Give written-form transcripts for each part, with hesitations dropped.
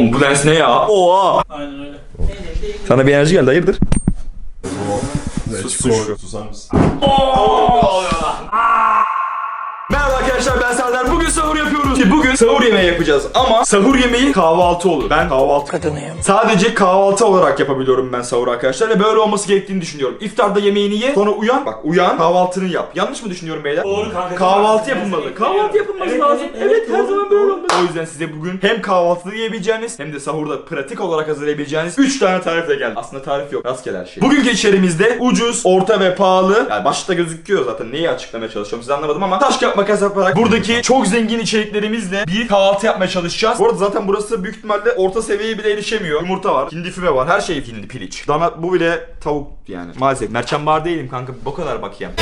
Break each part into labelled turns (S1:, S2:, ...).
S1: Oğlum bu lens ne ya? Oha.
S2: Aynen öyle.
S1: Sana bir enerji geldi, hayırdır?
S3: Susar mısın?
S1: Merhaba arkadaşlar, ben Serdar. Bugün sahur yapıyoruz. Bugün sahur yemeği yapacağız ama sahur yemeği kahvaltı olur. Ben kahvaltı kadınıyım. Sadece kahvaltı olarak yapabiliyorum ben sahur arkadaşlar ve böyle olması gerektiğini düşünüyorum. İftarda yemeğini ye, sonra uyan. Bak uyan, kahvaltını yap. Yanlış mı düşünüyorum beyler?
S2: Doğru kanka.
S1: Kahvaltı yapılmalı. Kahvaltı yapılması
S2: Evet,
S1: lazım.
S2: evet,
S1: Evet,
S2: evet,
S1: her
S2: doğru,
S1: zaman böyle
S2: doğru.
S1: olmalı. O yüzden size bugün hem kahvaltıda yiyebileceğiniz hem de sahurda pratik olarak hazırlayabileceğiniz 3 tane tarifle geldim. Aslında tarif yok. Rastgele her şey. Bugünkü içerimizde ucuz, orta ve pahalı. Yani başta gözüküyor zaten. Neyi açıklamaya çalışıyorum size anlamadım ama taş kağıt makas yaparak buradaki çok zengin içeriklerimizle bir kahvaltı yapmaya çalışacağız. Bu arada zaten burası büyük ihtimalle orta seviyeye bile erişemiyor. Yumurta var, hindi füme var, her şey hindi, piliç. Dana, bu bile tavuk yani. Maalesef merçan bar değilim kanka, bu kadar bakayım.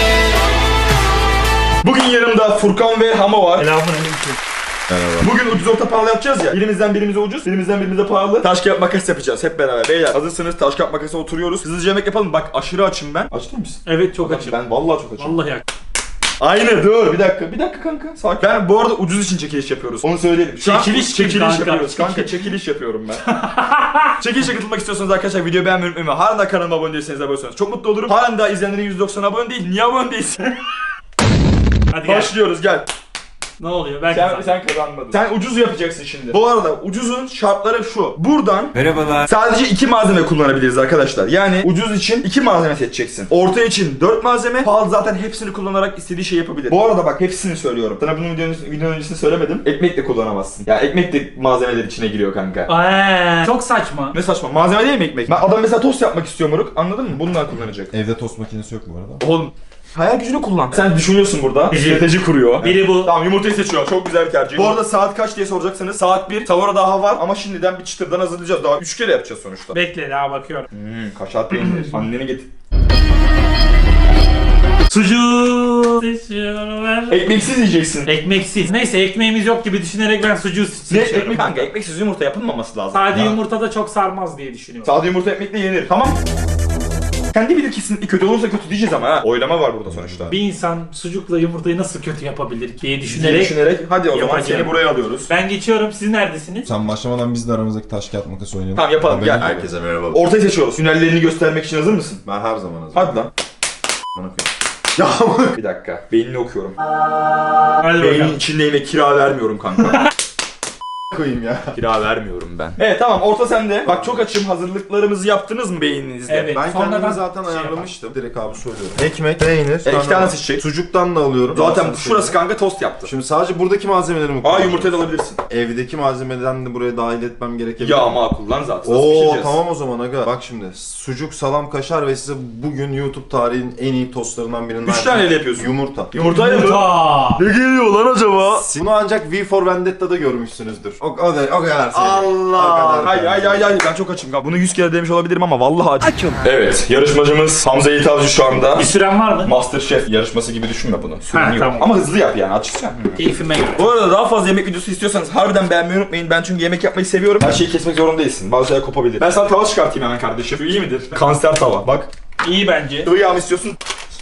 S1: Bugün yanımda Furkan ve Hama var.
S2: Selamünaleyküm.
S1: Bugün ucuz orta pahalı yapacağız ya. Birimizden birimize ucuz, birimizden birimize pahalı. Taş kağıt makas yapacağız hep beraber. Beyler hazırsınız, taş kağıt makasa oturuyoruz. Hızlıca yemek yapalım. Bak aşırı açım ben. Aç değil misin?
S2: Evet çok açım.
S1: Ben vallahi çok açım.
S2: Vallahi yak.
S1: Aynı dur bir dakika kanka sakin. Ben bu arada ucuz için çekiliş yapıyoruz. Onu söyleyelim. Şu an
S2: Çekiliş kim kanka?
S1: yapıyoruz. Kanka çekiliş yapıyorum ben. Çekilişe katılmak istiyorsanız arkadaşlar videoyu beğenmeyi unutmayın. Halen daha kanalıma abone değilseniz abone olursanız çok mutlu olurum. Halen daha izleyenlerin 190 abone değil. Niye abone değilsin?
S2: Hadi gel.
S1: Başlıyoruz gel.
S2: Ne oluyor? Ben
S1: Sen kazanmadın. Sen ucuz yapacaksın şimdi. Bu arada ucuzun şartları şu. Buradan sadece 2 malzeme kullanabiliriz arkadaşlar. Yani ucuz için 2 malzeme seçeceksin. Orta için 4 malzeme. Pahalı zaten hepsini kullanarak istediği şey yapabilir. Bu arada bak hepsini söylüyorum. Sana bunun videonun öncesini söylemedim. Ekmek de kullanamazsın. Ya ekmek de malzemeler içine giriyor kanka.
S2: Çok saçma.
S1: Ne saçma. Malzeme değil mi ekmek? Ben adam mesela tost yapmak istiyor moruk. Anladın mı? Bundan kullanacak.
S3: Evde tost makinesi yok bu arada.
S1: Oğlum hayal gücünü kullan. Sen düşünüyorsun burada. Strateji kuruyor.
S2: Biri bu.
S1: Tamam yumurtayı seçiyor. Çok güzel bir tercih. Bu arada saat kaç diye soracaksanız saat 1. Sahura daha var ama şimdiden bir çıtırdan hazırlayacağız. Daha 3 kere yapacağız sonuçta.
S2: Bekle daha bakıyorum.
S1: Kaşar peynir. Anneni getir.
S2: Sucuğu seçiyorum ben.
S1: Ekmeksiz yiyeceksin.
S2: Ekmeksiz. Neyse ekmeğimiz yok gibi düşünerek ben sucuğu
S1: Ne
S2: seçiyorum.
S1: ekmek? Kanka ekmeksiz yumurta yapılmaması lazım.
S2: Sade
S1: Ya.
S2: yumurta da çok sarmaz diye düşünüyorum.
S1: Sade yumurta ekmekle yenir. Tamam. Kendi bilir kesinlikle kötü olursa kötü diyeceğiz ama ha. Oylama var burada sonuçta.
S2: Bir insan sucukla yumurtayı nasıl kötü yapabilir diye
S1: Diye
S2: düşünerek.
S1: hadi o zaman
S2: Yapacağım.
S1: seni buraya alıyoruz.
S2: Ben geçiyorum. Siz neredesiniz?
S3: Sen başlamadan biz de aramızdaki taş kağıt makas oynayalım.
S1: Tamam yapalım
S3: Haberin
S1: gel.
S3: yok.
S4: Herkese merhaba.
S1: Ortayı seçiyoruz. Hünerlerini göstermek için hazır mısın?
S4: Ben her zaman hazırım.
S1: Hadi lan.
S4: Bana koy.
S1: Ya bir dakika. Beynini okuyorum.
S2: Hadi
S1: Beynin
S2: bakalım.
S1: içindeyime kira vermiyorum kanka.
S3: Koyayım ya.
S1: Kira vermiyorum ben. Evet tamam orta sende. Bak çok açım, hazırlıklarımızı yaptınız mı beyninizde?
S2: Evet.
S3: Ben
S2: Sonradan
S3: kendimi zaten
S2: şey
S3: ayarlamıştım. Direkt abi söylüyorum. Ekmek, peynir.
S1: İki tane seçecek.
S3: Sucuktan da alıyorum.
S1: Zaten
S3: Aslında
S1: şurası kanka tost yaptı.
S3: Şimdi sadece buradaki malzemeleri mi
S1: Aa
S3: kullanacağım?
S1: yumurtayı da alabilirsin.
S3: Evdeki malzemeden de buraya dahil etmem gerekebilir.
S1: Ya makul lan zaten. Nasıl
S3: Oo
S1: pişireceğiz?
S3: tamam o zaman aga. Bak şimdi sucuk, salam, kaşar ve size bugün YouTube tarihinin en iyi tostlarından birinden
S1: 3 taneyle yapıyorsun.
S3: Yumurta.
S1: Yumurtayla mı?
S2: Yumurta.
S1: Ne geliyor lan acaba?
S3: Bunu ancak V for Vendetta'da görmüşsünüzdür. O kadar sevdim.
S1: Allah. Hay ben çok açım. Bunu 100 kere demiş olabilirim ama vallahi açım. Evet yarışmacımız Hamza Yiğit Avcı şu anda.
S2: Bir süren var mı?
S1: Masterchef yarışması gibi düşünme bunu. Süren
S2: Ha,
S1: yok.
S2: tamam.
S1: Ama hızlı yap yani açıkça.
S2: Keyfime göre.
S1: Bu arada daha fazla yemek videosu istiyorsanız harbiden beğenmeyi unutmayın. Ben çünkü yemek yapmayı seviyorum. Her şeyi kesmek zorunda değilsin. Bazı şeyler kopabilir. Ben sana tava çıkartayım hemen kardeşim. Şu iyi midir? Kanser tava. Bak.
S2: İyi bence.
S1: Sıvı yağ mı istiyorsun?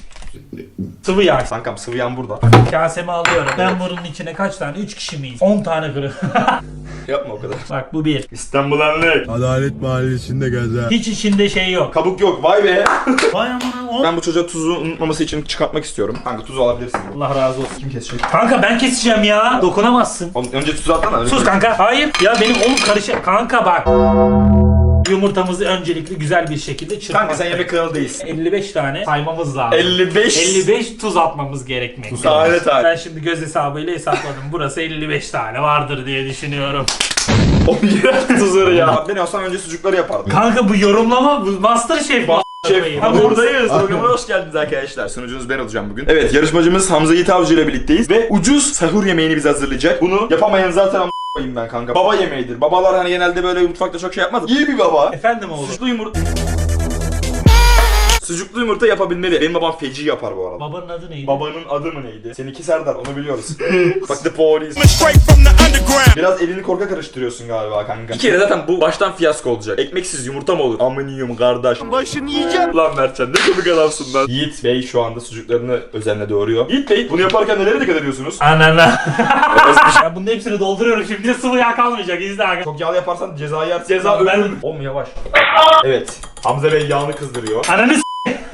S2: Sıvı yağ.
S1: Kankam sıvı yağım burada.
S2: Kasemi alıyorum. Ben bunun içine kaç tane? 3 kişi miyiz? 10 tane kırı.
S1: Yapma o kadar.
S2: Bak bu bir.
S1: İstanbul Enlek.
S5: Adalet Mahallesi'nde gezer.
S2: Hiç içinde şey yok.
S1: Kabuk yok. Vay be.
S2: Vay amına.
S1: Ben bu çocuğa tuzu unutmaması için çıkartmak istiyorum. Kanka tuzu alabilirsin.
S2: Allah razı olsun.
S1: Kim kesecek?
S2: Kanka ben keseceğim ya. Dokunamazsın.
S1: Oğlum, önce tuzu atsana.
S2: Sus kanka. Hayır. Ya benim oğlum karışık. Kanka bak. Yumurtamızı öncelikle güzel bir şekilde çırpmak.
S1: Kanka sen yemek kanalı değilsin.
S2: 55 tane saymamız lazım.
S1: 55.
S2: 55 tuz atmamız gerekmekte.
S1: Tane tane.
S2: Ben şimdi göz hesabıyla hesapladım. Burası 55 tane vardır diye düşünüyorum.
S1: O iğrenç tuzları ya. Ben olsam önce sucukları yapardım.
S2: Kanka bu yorumlama bu Masterchef.
S1: Şef,
S2: Ha,
S1: buradayız. Programa hoş geldiniz arkadaşlar. Sunucunuz ben olacağım bugün. Evet, yarışmacımız Hamza Yiğit Avcı ile birlikteyiz ve ucuz sahur yemeğini bize hazırlayacak. Bunu yapamayan zaten koyayım ben kanka. Baba yemeğidir. Babalar hani genelde böyle mutfakta çok şey yapmaz. İyi bir baba.
S2: Efendim oğlum.
S1: Sucuklu yumurta. Sucuklu yumurta yapabilmeli. Benim babam feci yapar bu arada.
S2: Babanın adı neydi?
S1: Babanın adı mı neydi? Seninki Serdar, onu biliyoruz. Bak the police. Biraz elini korka karıştırıyorsun galiba kanka. Bir kere zaten bu baştan fiyasko olacak. Ekmeksiz yumurta mı olur? Amıniyum kardeş. Başını yiyeceğim. Lan Mertcan ne komik adamsın lan. Yiğit Bey şu anda sucuklarını özenle doğuruyor. Yiğit Bey bunu yaparken nelere dikkat ediyorsunuz?
S2: Anana. Ya bunun hepsini dolduruyorum şimdi sıvı yağ kalmayacak izle aga.
S1: Çok yağlı yaparsan ceza yersin. Ceza
S2: Ben-
S1: ölüm. Oğlum yavaş. Evet. Hamza Bey yağını kızdırıyor.
S2: Ananı s***.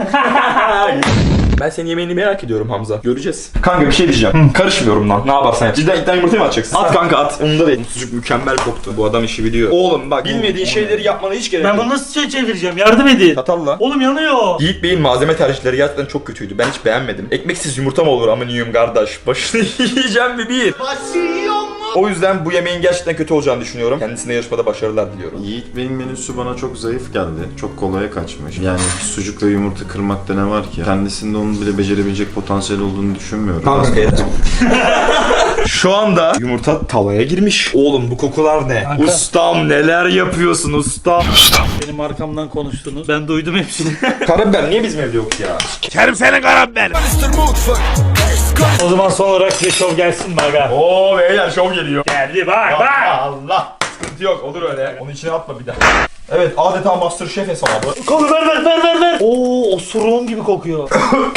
S1: Ben senin yemeğini merak ediyorum Hamza. Göreceğiz. Kanka bir şey diyeceğim. Karışmıyorum lan. Ne yaparsan yap. Cidden iddia yumurtayı mı atacaksın? At kanka at. Umurumda değil. Sucuk mükemmel koktu. Bu adam işi biliyor. Oğlum bak bilmediğin şeyleri yapmana hiç gerek
S2: Ben
S1: yok.
S2: bunu nasıl çevireceğim yardım edin.
S1: Çatalla.
S2: Oğlum yanıyor.
S1: Yiğit Bey'in malzeme tercihleri gerçekten çok kötüydü. Ben hiç beğenmedim. Ekmeksiz yumurta mı olur amıniyum kardeş? Başını yiyeceğim mi bir? O yüzden bu yemeğin gerçekten kötü olacağını düşünüyorum. Kendisine yarışmada başarılar diliyorum.
S3: Yiğit Bey'in menüsü bana çok zayıf geldi. Çok kolaya kaçmış. Yani sucukla yumurta kırmakta ne var ki? Kendisinde onun bile becerebilecek potansiyel olduğunu düşünmüyorum.
S1: Şu anda yumurta tavaya girmiş. Oğlum bu kokular ne?
S2: Kanka.
S1: Ustam neler yapıyorsun ustam?
S2: Benim arkamdan konuştunuz. Ben duydum hepsini.
S1: Karabiber niye bizim evde yok ya?
S2: O zaman son olarak size şov gelsin mi aga?
S1: Oo beyler şov geliyor.
S2: Geldi bak bak.
S1: Allah. Sıkıntı yok olur öyle. Onun içine atma bir daha. Evet adeta MasterChef hesabı.
S2: Kolu ver. Oo osuruğum gibi kokuyor.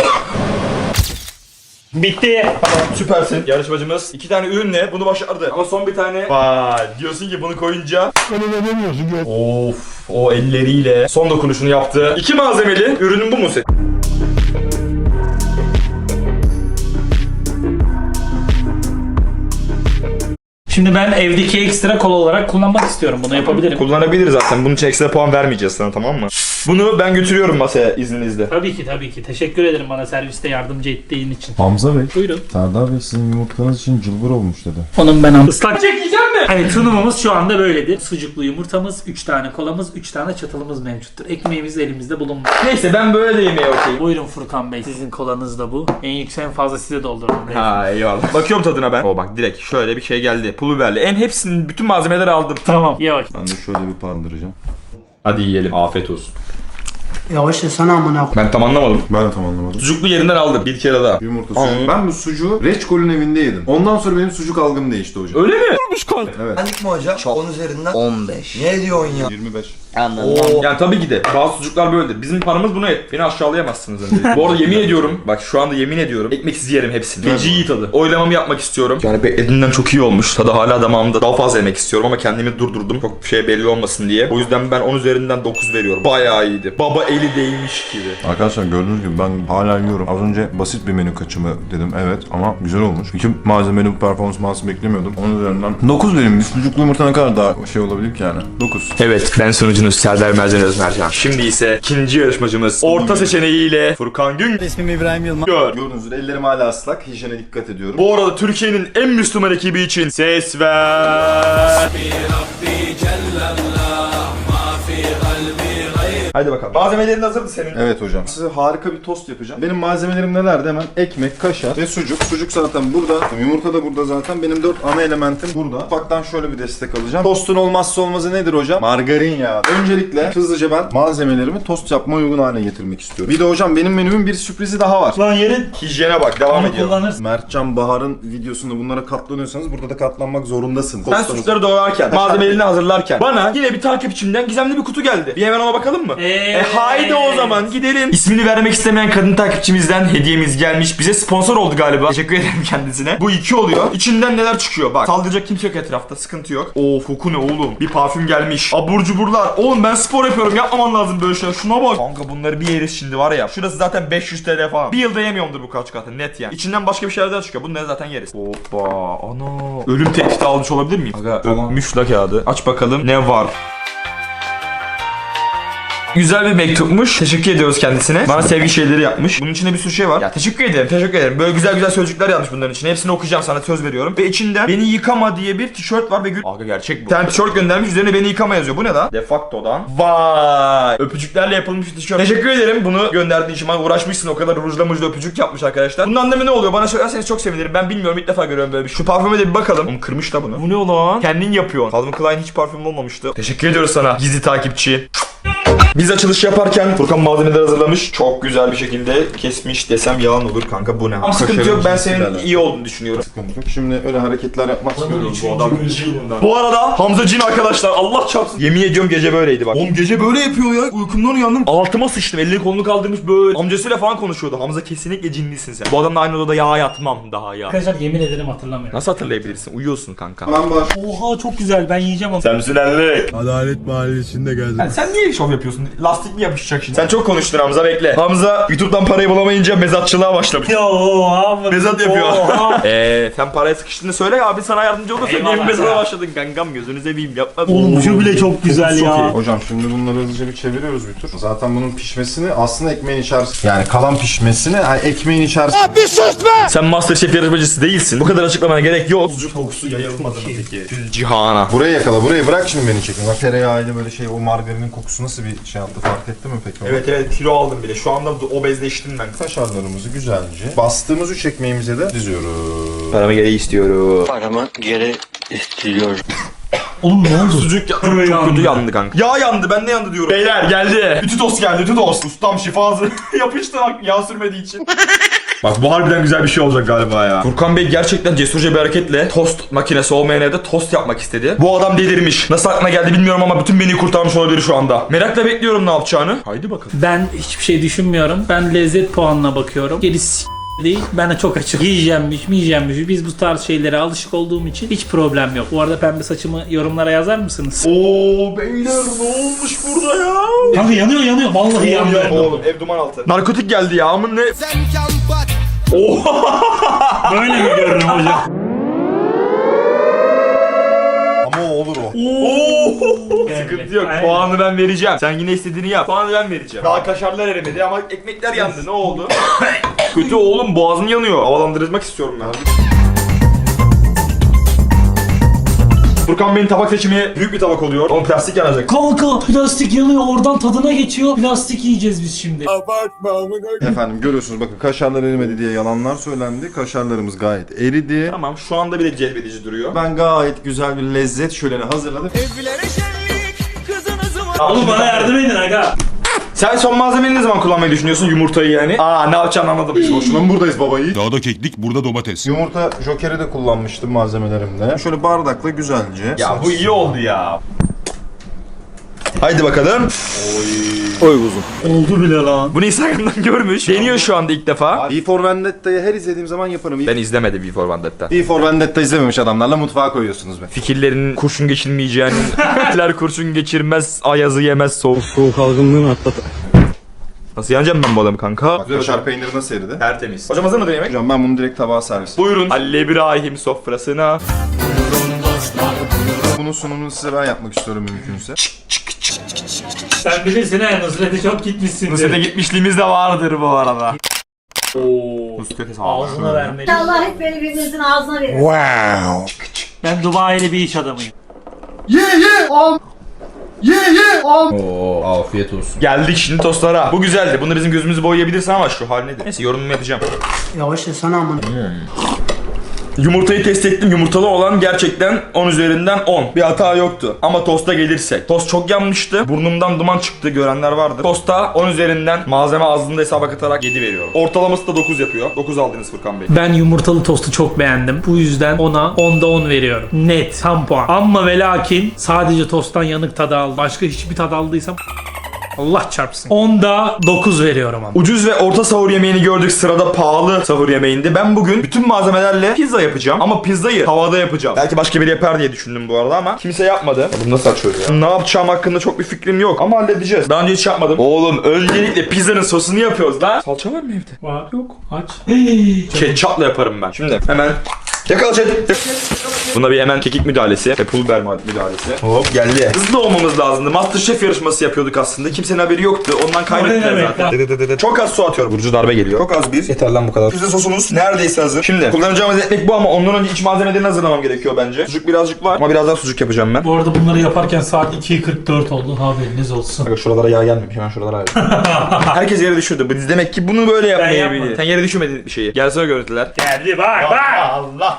S2: Bitti.
S1: Tamam süpersin. Yarışmacımız 2 tane ürünle bunu başardı. Ama son bir tane. Vay diyorsun ki bunu koyunca. Of o elleriyle son dokunuşunu yaptı. 2 malzemeli ürünün bu mu senin?
S2: Şimdi ben evdeki ekstra kola olarak kullanmak istiyorum. Bunu yapabilirim.
S1: Kullanabilir zaten. Bunun için ekstra puan vermeyeceğiz sana tamam mı? Bunu ben götürüyorum masaya izninizle.
S2: Tabii ki. Teşekkür ederim bana serviste yardımcı ettiğin için.
S3: Hamza Bey,
S2: Buyurun.
S3: Serdar Bey sizin yumurtanız için cılbır olmuş dedi.
S2: Onun ben ıslak çekeceğim mi? Hani sunumumuz şu anda böyledir. Sucuklu yumurtamız, 3 tane kolamız, 3 tane çatalımız mevcuttur. Ekmeğimiz elimizde bulunmuş.
S1: Neyse ben böyle de yemeğe okeyim.
S2: Buyurun Furkan Bey. Sizin kolanız da bu. En yüksek en fazla size doldurun.
S1: Ha eyvallah. Bakıyorum tadına ben. O bak direkt şöyle bir şey geldi. Pul biberli. En hepsinin bütün malzemeleri aldım.
S2: Tamam. Ye bak.
S3: Ben de şöyle bir pandıracağım.
S1: Hadi yiyelim. Afiyet olsun.
S4: Yavaş yesene amına.
S1: Ben tam anlamadım.
S3: Ben de tam anlamadım.
S1: Sucuklu yerinden aldım bir kere daha.
S3: Yumurta sucuk. Ben bu sucuğu Reçkol'ün evinde yedim. Ondan sonra benim sucuk algım değişti hocam.
S1: Öyle mi?
S3: Evet.
S6: Benlik mi hocam? 10 üzerinden 15. Ne diyorsun ya?
S3: 25.
S6: Anladım.
S1: Yani tabii ki de bazı sucuklar böyledir. Bizim paramız buna et. Beni aşağılayamazsınız öncelikle. Bu arada yemin ediyorum. Bak şu anda yemin ediyorum. Ekmeksiz yerim hepsini. Feci iyi tadı. Oylamamı yapmak istiyorum. Yani beklediğimden çok iyi olmuş. Tadı hala damağımda. Daha fazla yemek istiyorum ama kendimi durdurdum. Çok bir şey belli olmasın diye. O yüzden ben 10 üzerinden 9 veriyorum. Bayağı iyiydi. Baba eli değmiş gibi.
S3: Arkadaşlar gördüğünüz gibi ben hala yiyorum. Az önce basit bir menü kaçımı dedim evet ama güzel olmuş. İki malzemeli bu performansı beklemiyordum. Onun üzerinden 9 verim. Bir sucuklu yumurta ne kadar daha şey olabilir ki yani? 9.
S1: Evet ben sunucunuz Serdar Mercan Özmercan. Şimdi ise ikinci yarışmacımız orta seçeneğiyle Furkan Gün.
S5: İsmim İbrahim Yılmaz.
S1: Gör.
S3: Gördüğünüz üzere ellerim hala ıslak. Hijyene dikkat ediyorum.
S1: Bu arada Türkiye'nin en Müslüman ekibi için ses ver. Haydi bakalım. Malzemelerin hazır mı senin?
S3: Evet hocam. Size harika bir tost yapacağım. Benim malzemelerim nelerdi? Hemen ekmek, kaşar ve sucuk. Sucuk zaten burada. Yumurta da burada zaten. Benim 4 ana elementim burada. Ufaktan şöyle bir destek alacağım. Tostun olmazsa olmazı nedir hocam? Margarin yağı. Öncelikle hızlıca ben malzemelerimi tost yapmaya uygun hale getirmek istiyorum. Bir de hocam benim menümün bir sürprizi daha var.
S2: Lan yerin.
S1: Hijyene bak devam
S2: Onu
S1: ediyorum.
S2: kullanırsın.
S3: Mertcan Bahar'ın videosunda bunlara katlanıyorsanız burada da katlanmak zorundasınız.
S1: Ben sucukları doğrarken, malzemelerini hazırlarken bana yine bir takipçimden gizemli bir kutu geldi. Bir hemen ona bakalım mı? Haydi o zaman gidelim. İsmini vermek istemeyen kadın takipçimizden hediyemiz gelmiş. Bize sponsor oldu galiba. Teşekkür ederim kendisine. Bu 2 oluyor. İçinden neler çıkıyor? Bak saldıracak kimse yok etrafta. Sıkıntı yok. Koku ne oğlum? Bir parfüm gelmiş. Abur cuburlar. Oğlum ben spor yapıyorum. Yapmaman lazım böyle şeyler. Şuna bak. Kanka bunları bir yeriz şimdi var ya. Şurası zaten 500 TL falan. Bir yılda yemiyorumdur bu kaç katı. Net yani. İçinden başka bir şeyler daha çıkıyor. Bunları zaten yeriz. Hoppa. Ana. Ölüm tehdidi almış olabilir miyim? Aga ölmüş la kağıdı. Aç bakalım ne var. Güzel bir mektupmuş. Teşekkür ediyoruz kendisine. Bana sevgi şeyleri yapmış. Bunun içinde bir sürü şey var. Ya teşekkür ederim. Böyle güzel güzel sözcükler yazmış bunların içine. Hepsini okuyacağım sana söz veriyorum. Ve içinde beni yıkama diye bir tişört var ve Aga gerçek bu. Bir tane tişört göndermiş üzerine beni yıkama yazıyor. Bu ne la? Defacto'dan. Vay. Öpücüklerle yapılmış bir tişört. Teşekkür ederim bunu gönderdiğin için. Bana uğraşmışsın o kadar rujla öpücük yapmış arkadaşlar. Bunun anlamı ne oluyor? Bana söylerseniz çok sevinirim. Ben bilmiyorum ilk defa görüyorum böyle bir şey. Şu parfüme de bir bakalım. Oğlum kırmış da bunu. Bu ne lan? Kendin yapıyorsun. Calvin Klein hiç parfüm olmamıştı. Teşekkür ediyoruz sana gizli takipçi. Biz açılış yaparken Furkan malzemeleri hazırlamış. Çok güzel bir şekilde kesmiş desem yalan olur kanka, bu ne? Ama sıkıntı yok, ben senin iyi olduğunu düşünüyorum.
S3: Sıkıntı yok. Şimdi öyle hareketler yapmak istiyoruz bu adam.
S1: Bu arada Hamza Cin arkadaşlar, Allah çarpsın. Yemin ediyorum gece böyleydi bak. Oğlum gece böyle yapıyor ya. Uykumdan uyandım. Altıma sıçtım. Elini kolunu kaldırmış böyle. Amcasıyla falan konuşuyordu. Hamza kesinlikle cinlisin sen. Bu adamla aynı odada yatmam daha ya.
S2: Arkadaşlar yemin ederim hatırlamıyorum.
S1: Nasıl hatırlayabilirsin? Uyuyorsun kanka.
S3: Ben baş.
S2: Oha çok güzel, ben yiyeceğim ama.
S1: Sen misin elli?
S5: Adalet Mahallesi'nde gezer.
S1: Sen niye şov yapıyorsun? Lastik mi yapışacak şimdi? Sen çok konuştun Hamza, bekle. Hamza YouTube'dan parayı bulamayınca mezatçılığa başlamış.
S2: Oha.
S1: Mezat yapıyor.
S2: Oha.
S1: Sen paraya sıkıştığını söyle, abi sana yardımcı olursa.
S2: Eyvallah
S1: Niye mezata
S2: ya.
S1: başladın kankam, gözünü seveyim yapma.
S2: Oğlum şu bile çok güzel
S1: Çok
S2: ya.
S1: iyi.
S3: Hocam şimdi bunları hızlıca bir çeviriyoruz bir tur. Zaten bunun pişmesini aslında ekmeğin içerisinde, yani kalan pişmesini ekmeğin içerisinde.
S1: Sen MasterChef yarışmacısı değilsin. Bu kadar açıklamana gerek yok. Sucuk kokusu yayılmadı mı peki? Cihana.
S3: Buraya yakala, burayı bırak şimdi beni çekin. Bak tereyağıyla böyle şey, o margarinin kokusu nasıl bir şey yaptı, fark etti mi peki?
S1: Evet kilo aldım bile. Şu anda obezleştim ben.
S3: Kaşarlarımızı güzelce bastığımız 3 ekmeğimize de diziyoruz.
S1: Paramı geri istiyorum.
S6: Paramı geri istiyorum.
S2: Oğlum ne oldu?
S1: Sucuk çok kötü yandı kanka. Yağ yandı, ben de yandı diyorum. Beyler geldi. Ütü tost geldi, ütü tost. Ustam şifası yapıştı bak, yağ sürmediği için. Bak bu harbiden güzel bir şey olacak galiba ya. Furkan Bey gerçekten cesurca bir hareketle tost makinesi olmayan evde tost yapmak istedi. Bu adam delirmiş. Nasıl aklına geldi bilmiyorum ama bütün beni kurtarmış olabilir şu anda. Merakla bekliyorum ne yapacağını. Haydi bakalım.
S2: Ben hiçbir şey düşünmüyorum. Ben lezzet puanına bakıyorum. Gerisi değil. Ben de çok açık. Yiyeceğimmiş mi yiyeceğimmiş. Biz bu tarz şeylere alışık olduğum için hiç problem yok. Bu arada pembe saçımı yorumlara yazar mısınız?
S1: Oo beyler ne olmuş burada ya?
S2: Kanka yanıyor. Vallahi yanıyor.
S1: Oğlum ev duman altı. Narkotik geldi ya, amın ne? Oha!
S2: Böyle mi görünüyorum hocam?
S3: Ama o olur o.
S1: Sıkıntı yok.
S2: Aynen.
S1: Puanı ben vereceğim. Sen yine istediğini yap. Puanı ben vereceğim. Daha kaşarlar erimedi ama ekmekler yandı. Ne oldu? Kötü oğlum, boğazım yanıyor. Havalandırmak istiyorum ben. Furkan Bey'in tabak seçimi büyük bir tabak oluyor. Onun plastik yanacak.
S2: Kanka plastik yanıyor, oradan tadına geçiyor. Plastik yiyeceğiz biz şimdi.
S3: Efendim görüyorsunuz bakın, kaşarlar erimedi diye yalanlar söylendi. Kaşarlarımız gayet eridi.
S1: Tamam, şu anda bile cezbedici duruyor.
S3: Ben gayet güzel bir lezzet şöleni hazırladım.
S2: Oğlum bana yardım edin aga.
S1: Sen son malzemeyi ne zaman kullanmayı düşünüyorsun? Yumurtayı yani. Ne yapacağını anladım.
S3: Boşuna mı buradayız babayı?
S5: Dağda keklik, burada domates.
S3: Yumurta jokeri de kullanmıştım malzemelerimde. Şöyle bardakla güzelce.
S1: Ya bu iyi oldu ya. Haydi bakalım.
S2: Oldu bile lan.
S1: Bunu Instagram'dan görmüş. Deniyor şu anda ilk defa.
S3: V for Vendetta'yı her izlediğim zaman yaparım.
S1: Ben izlemedim V for Vendetta.
S3: V for Vendetta izlememiş adamlarla mutfağa koyuyorsunuz be.
S1: Fikirlerinin kurşun geçirmeyeceğinin, fikirler kurşun geçirmez, ayazı yemez,
S5: Soğuk algınlığını atlat.
S1: Nasıl yeneceğim ben bu adamı kanka?
S3: Bak kaşar peyniri nasıl eridi?
S1: Tertemiz. Hocam hazır mıdır yemek?
S3: Hocam ben bunu direkt tabağa servis.
S1: Buyurun. Halil İbrahim sofrasına.
S3: Bunun sunumunu size ben yapmak istiyorum mümkünse.
S2: Sen bilirsin ha, Nusret'e çok gitmişsin.
S1: Nusret'e gitmişliğimiz de vardır bu arada. Ooo. Nusret'e sağ ol.
S2: Ağzına vermeli.
S7: Allah hep beni birbirinizin ağzına verir.
S2: Ben Dubai'li bir iş adamıyım.
S1: Oo, afiyet olsun. Geldik şimdi tostlara. Bu güzeldi. Bunu bizim gözümüzü boyayabilirsin ama şu hal nedir? Neyse yorumumu yapacağım.
S4: Yavaş yesene amına.
S1: Yumurtayı test ettim. Yumurtalı olan gerçekten 10 üzerinden 10. Bir hata yoktu. Ama tosta gelirsek. Tost çok yanmıştı. Burnumdan duman çıktı, görenler vardır. Tosta 10 üzerinden malzeme azlığında hesaba katarak 7 veriyorum. Ortalaması da 9 yapıyor. 9 aldınız Furkan Bey.
S2: Ben yumurtalı tostu çok beğendim. Bu yüzden ona 10'da 10 veriyorum. Net, tam puan. Ama ve lakin sadece tosttan yanık tadı aldım. Başka hiçbir tad aldıysam Allah çarpsın. 10'da 9 veriyorum ama.
S1: Ucuz ve orta sahur yemeğini gördük, sırada pahalı sahur yemeğinde. Ben bugün bütün malzemelerle pizza yapacağım ama pizzayı tavada yapacağım. Belki başka biri yapar diye düşündüm bu arada ama kimse yapmadı. Oğlum nasıl açıyoruz ya? Ne yapacağım hakkında çok bir fikrim yok ama halledeceğiz. Daha önce hiç yapmadım. Oğlum öncelikle pizzanın sosunu yapıyoruz lan. Salça var mı evde?
S2: Var yok, aç.
S1: Ketçapla yaparım ben. Şimdi hemen yakala chat. Buna bir hemen kekik müdahalesi ve pul biber müdahalesi. Hop geldi. Hızlı olmamız lazımdı. Masterchef yarışması yapıyorduk aslında. Kimsenin haberi yoktu. Ondan kaybettiler
S2: demek
S1: zaten. Çok az su atıyorum. Burcu darbe geliyor. Çok az bir. Yeter lan bu kadar. Pizza sosumuz neredeyse hazır. Şimdi kullanacağımız ekmek bu ama ondan önce iç malzemelerini hazırlamam gerekiyor bence. Sucuk birazcık var ama biraz daha sucuk yapacağım ben.
S2: Bu arada bunları yaparken saat 2:44 oldu. Haberiniz olsun.
S1: Bak şuralara yağ gelmemiş. Hemen şuralara yağ. Herkes yere düşürdü. Biz demek ki bunu böyle yapmayı
S2: yapmadım.
S1: biliyor. Sen yere düşürmedin bir şeyi. Gelsene görüntüler.
S2: Geldi bak.
S1: Allah.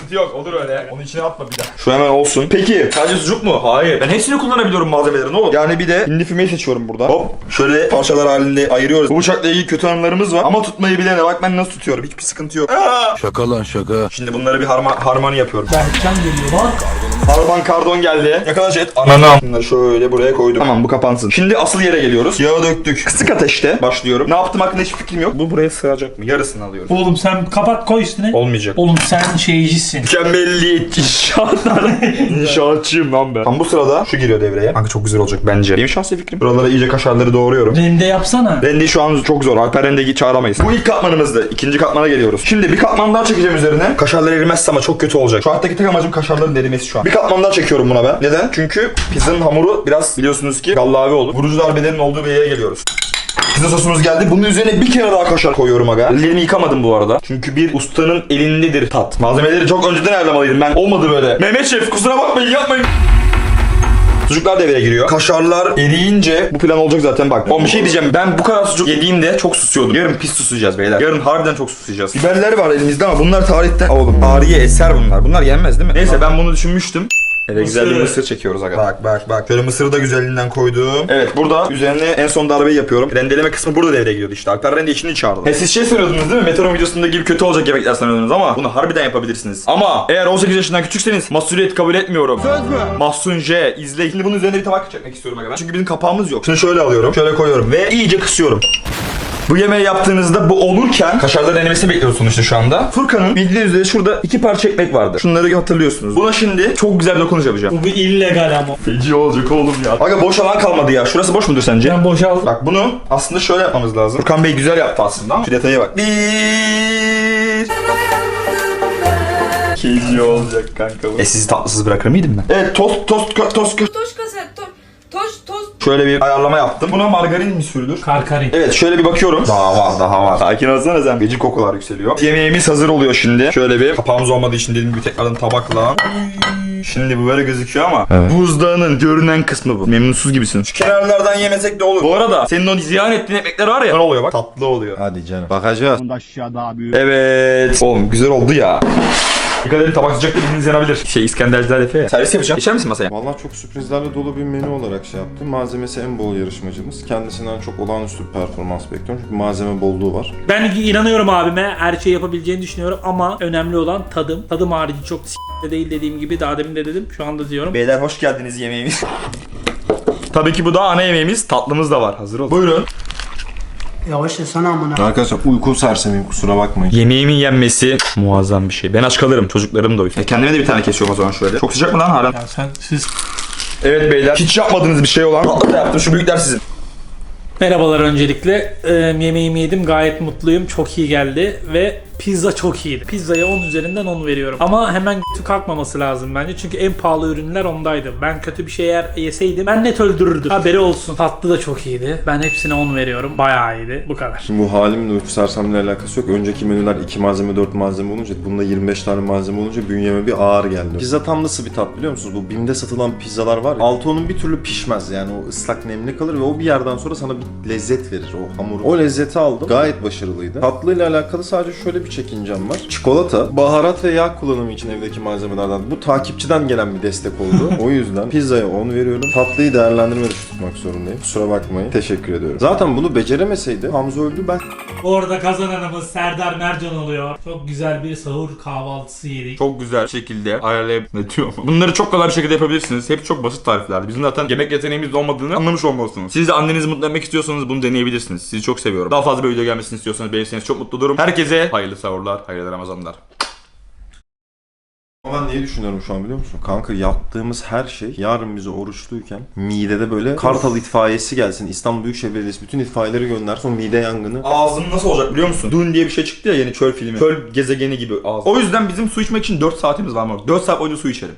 S1: sıkıntı yok. Olur öyle. Onun içine atma bir daha. Şu hemen olsun. Peki sadece sucuk mu? Hayır. Ben hepsini kullanabiliyorum malzemelerin oğlum. Yani bir de hindi fümeyi seçiyorum burada. Hop. Şöyle parçalar halinde ayırıyoruz. Bu bıçakla ilgili kötü anılarımız var. Ama tutmayı bilene bak ben nasıl tutuyorum. Hiçbir sıkıntı yok.
S5: Şaka lan şaka.
S1: Şimdi bunları bir harmoni yapıyorum.
S2: Berkcan geliyor bak.
S1: Harman kardon geldi. Yakalaş et. Ananam. Bunları şöyle buraya koydum. Tamam bu kapansın. Şimdi asıl yere geliyoruz. Yağı döktük. Kısık ateşte başlıyorum. Ne yaptım hakkında hiçbir fikrim yok. Bu buraya sığacak mı? Yarısını alıyorum.
S2: Oğlum sen kapat koy üstüne.
S1: Olmayacak.
S2: Oğlum sen şeycisin.
S1: Mükemmelliyetçi İnşaatçıyım lan ben. Tam bu sırada şu giriyor devreye. Kanka çok güzel olacak bence. Benim şahsi fikrim. Buralara iyice kaşarları doğruyorum.
S2: Rende yapsana.
S1: Rendeyi şu an çok zor. Alper rendeyi çağıramayız. Bu ilk katmanımızdı. İkinci katmana geliyoruz. Şimdi bir katman daha çekeceğim üzerine. Kaşarlar erimezse ama çok kötü olacak. Şu hayattaki tek amacım kaşarların erimesi şu an. Bir katman daha çekiyorum buna ben. Neden? Çünkü pizzanın hamuru biraz biliyorsunuz ki gallavi olur. Vurucu darbelerin olduğu bir yere geliyoruz. Pizza sosumuz geldi. Bunun üzerine bir kere daha kaşar koyuyorum aga. Ellerimi yıkamadım bu arada. Çünkü bir ustanın elindedir tat. Malzemeleri çok önceden ayarlamalıydım. Ben olmadı böyle. Mehmet Şef kusura bakmayın yapmayın. Sucuklar devreye giriyor. Kaşarlar eriyince bu plan olacak zaten bak. Oğlum bir şey diyeceğim. Ben bu kadar sucuk yediğimde çok susuyordum. Yarın pis susayacağız beyler. Yarın harbiden çok susayacağız. Biberler var elimizde ama bunlar tarihten... Oğlum tarihi eser bunlar. Bunlar yenmez değil mi? Neyse ben bunu düşünmüştüm. Eve güzel bir mısır çekiyoruz aga. Bak. Şöyle mısırı da güzelliğinden koydum. Evet burada üzerine en son darbeyi yapıyorum. Rendeleme kısmı burada devreye giriyordu işte. Alper rende işini çağırdı. Siz şey sanıyordunuz değil mi? Meteor'un videosunda gibi kötü olacak yemekler sanıyordunuz ama bunu harbiden yapabilirsiniz. Ama eğer 18 yaşından küçükseniz mahsuliyet kabul etmiyorum. Söz mü? Mahsun J. İzle. Şimdi bunun üzerine bir tabak çekmek istiyorum aga ben. Çünkü bizim kapağımız yok. Şimdi şöyle alıyorum. Şöyle koyuyorum ve iyice kısıyorum. Bu yemeği yaptığınızda bu olurken kaşarların erimesini bekliyoruz sonuçta şu anda. Furkan'ın bildiğiniz üzere şurada 2 parça ekmek vardı. Şunları hatırlıyorsunuz. Buna şimdi çok güzel bir dokunuş yapacağım.
S2: Bu bir illegal ama.
S1: Feci olacak oğlum ya. Aga boş alan kalmadı ya. Şurası boş mudur sence?
S2: Ben boşaldım.
S1: Bak bunu aslında şöyle yapmamız lazım. Furkan Bey güzel yaptı aslında ama şu detaya bak. Feci olacak kanka bu. Sizi tatlısız bırakır mıydım ben? Evet tost. Şöyle bir ayarlama yaptım. Buna margarin mi sürülür?
S2: Karkarin.
S1: Evet şöyle bir bakıyorum. Daha var. Sakin olsana sen. Gece kokular yükseliyor. Yemeğimiz hazır oluyor şimdi. Şöyle bir kapağımız olmadığı için dediğim gibi tekrardan tabakla. Şimdi bu böyle gözüküyor ama buzdağının görünen kısmı bu. Memnunsuz gibisin. Şu kenarlardan yemesek de olur. Bu arada senin o ziyan ettiğin ekmekler var ya. Ne oluyor bak? Tatlı oluyor.
S3: Hadi canım. Bakacağız.
S1: Evet. Oğlum güzel oldu ya. Dikkat edin tabak sıcak da bildiğiniz yanabilir. İskenderciler Efe. Servis yapacağım. Geçer misin masaya?
S3: Vallahi çok sürprizlerle dolu bir menü olarak şey yaptım. Malzemesi en bol yarışmacımız. Kendisinden çok olağanüstü bir performans bekliyorum. Çünkü malzeme bolluğu var.
S2: Ben inanıyorum abime. Her şeyi yapabileceğini düşünüyorum ama önemli olan tadım. Tadım harici çok s**de değil dediğim gibi. Daha demin de dedim. Şu anda diyorum.
S1: Beyler hoş geldiniz yemeğimiz. Tabii ki bu da ana yemeğimiz. Tatlımız da var. Hazır ol. Buyurun.
S4: Yavaş yesene amına.
S3: Arkadaşlar uyku sersemiyim kusura bakmayın.
S1: Yemeğimin yenmesi muazzam bir şey. Ben aç kalırım. Çocuklarım da uyur. Kendime de bir tane kesiyorum o zaman şöyle. Çok sıcak mı lan halen?
S2: Ya siz...
S1: Evet beyler. Hiç yapmadığınız bir şey olan. Tatlı da yaptım. Şu büyükler sizin.
S2: Merhabalar öncelikle. Yemeğimi yedim. Gayet mutluyum. Çok iyi geldi ve pizza çok iyiydi. Pizzaya 10 üzerinden 10 veriyorum. Ama hemen kötü kalkmaması lazım bence. Çünkü en pahalı ürünler ondaydı. Ben kötü bir şey eğer yeseydim ben net öldürürdüm. Haberi olsun. Tatlı da çok iyiydi. Ben hepsine 10 veriyorum. Bayağı iyiydi. Bu kadar.
S3: Şimdi bu halimle uyku sersemle alakası yok. Önceki menüler 2 malzeme 4 malzeme olunca bunda 25 tane malzeme olunca bünyeme bir ağır geldi. Pizza tam nasıl bir tat biliyor musunuz? Bu BİM'de satılan pizzalar var ya. Altı onun bir türlü pişmez yani o ıslak nemli kalır ve o bir yerden sonra sana bir lezzet verir o hamuru. O lezzeti aldım. Gayet başarılıydı. Tatlıyla alakalı sadece şöyle bir çekincem var. Çikolata, baharat ve yağ kullanımı için evdeki malzemelerden bu takipçiden gelen bir destek oldu. O yüzden pizzaya 10 veriyorum. Tatlıyı değerlendirme dışı tutmak zorundayım. Kusura bakmayın. Teşekkür ediyorum. Zaten bunu beceremeseydi Hamza öldü ben.
S2: Orada kazananımız Serdar Mercan oluyor. Çok güzel bir sahur kahvaltısı yedik.
S1: Çok güzel şekilde ayarlayıp ne diyor mu? Bunları çok kolay bir şekilde yapabilirsiniz. Hep çok basit tariflerdi. Bizim zaten yemek yeteneğimiz olmadığını anlamış olmalısınız. Siz de annenizi mutlu etmek istiyorsanız bunu deneyebilirsiniz. Sizi çok seviyorum. Daha fazla bir video gelmesini istiyorsanız beğenirseniz çok mutlu olurum. Herkese hayırlı sahurlar, hayırlı Ramazanlar.
S3: Ama ben neyi düşünüyorum şu an biliyor musun? Kanka yaptığımız her şey yarın bize oruçluyken midede böyle Kartal itfaiyesi gelsin, İstanbul Büyükşehir Belediyesi bütün itfaiyeleri göndersin o mide yangını.
S1: Ağzım nasıl olacak biliyor musun? Dune diye bir şey çıktı ya yeni çöl filmi. Çöl gezegeni gibi ağzım. O yüzden bizim su içmek için 4 saatimiz var mı? 4 saat boyunca su içerim.